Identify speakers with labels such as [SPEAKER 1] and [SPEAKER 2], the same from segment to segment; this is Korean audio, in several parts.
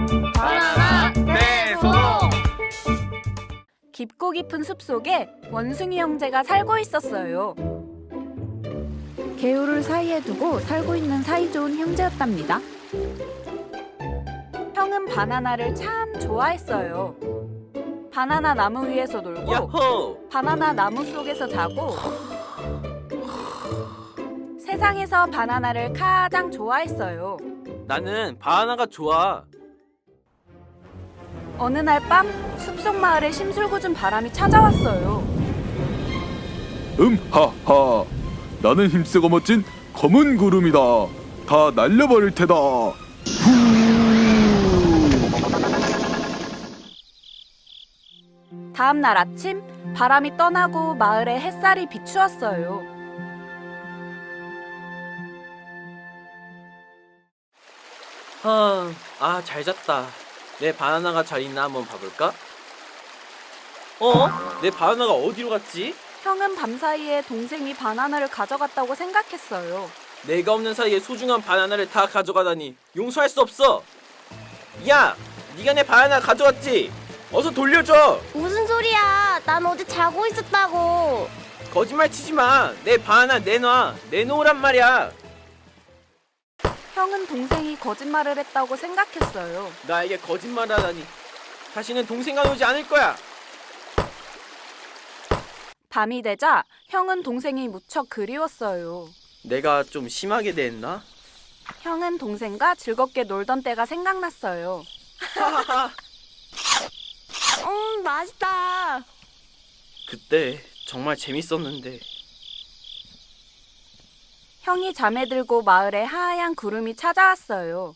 [SPEAKER 1] 바나나 대소동.
[SPEAKER 2] 깊고 깊은 숲속에 원숭이 형제가 살고 있었어요. 개울을 사이에 두고 살고 있는 사이좋은 형제였답니다. 형은 바나나를 참 좋아했어요. 바나나 나무 위에서 놀고
[SPEAKER 3] 야호!
[SPEAKER 2] 바나나 나무 속에서 자고 세상에서 바나나를 가장 좋아했어요.
[SPEAKER 3] 나는 바나나가 좋아.
[SPEAKER 2] 어느 날 밤 숲속 마을에 심술궂은 바람이 찾아왔어요.
[SPEAKER 4] 하하. 나는 힘세고 멋진 검은 구름이다. 다 날려버릴 테다. 후.
[SPEAKER 2] 다음 날 아침 바람이 떠나고 마을에 햇살이 비추었어요.
[SPEAKER 3] 잘 잤다. 내 바나나가 잘 있나 한번 봐볼까? 내 바나나가 어디로 갔지?
[SPEAKER 2] 형은 밤사이에 동생이 바나나를 가져갔다고 생각했어요.
[SPEAKER 3] 내가 없는 사이에 소중한 바나나를 다 가져가다니 용서할 수 없어. 야, 네가 내 바나나 가져갔지? 어서 돌려줘.
[SPEAKER 1] 무슨 소리야? 난 어제 자고 있었다고.
[SPEAKER 3] 거짓말 치지 마. 내 바나나 내놔. 내놓으란 말이야.
[SPEAKER 2] 형은 동생이 거짓말을 했다고 생각했어요.
[SPEAKER 3] 나에게 거짓말을 하다니. 다시는 동생과 놀지 않을 거야.
[SPEAKER 2] 밤이 되자 형은 동생이 무척 그리웠어요.
[SPEAKER 3] 내가 좀 심하게 대했나?
[SPEAKER 2] 형은 동생과 즐겁게 놀던 때가 생각났어요.
[SPEAKER 1] 맛있다.
[SPEAKER 3] 그때 정말 재밌었는데.
[SPEAKER 2] 형이 잠에 들고 마을에 하얀 구름이 찾아왔어요.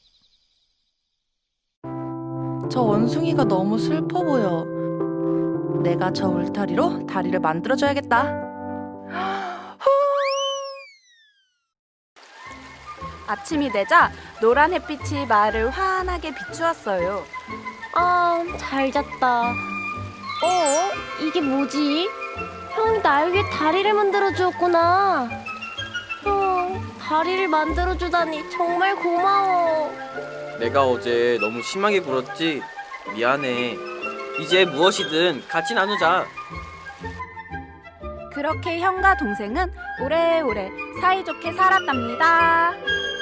[SPEAKER 5] 저 원숭이가 너무 슬퍼 보여. 내가 저 울타리로 다리를 만들어줘야겠다.
[SPEAKER 2] 아침이 되자 노란 햇빛이 마을을 환하게 비추었어요.
[SPEAKER 1] 잘 잤다. 이게 뭐지? 형이 날 위해 다리를 만들어 주었구나. 다리를 만들어 주다니 정말 고마워.
[SPEAKER 3] 내가 어제 너무 심하게 굴었지? 미안해. 이제 무엇이든 같이 나누자.
[SPEAKER 2] 그렇게 형과 동생은 오래오래 사이좋게 살았답니다.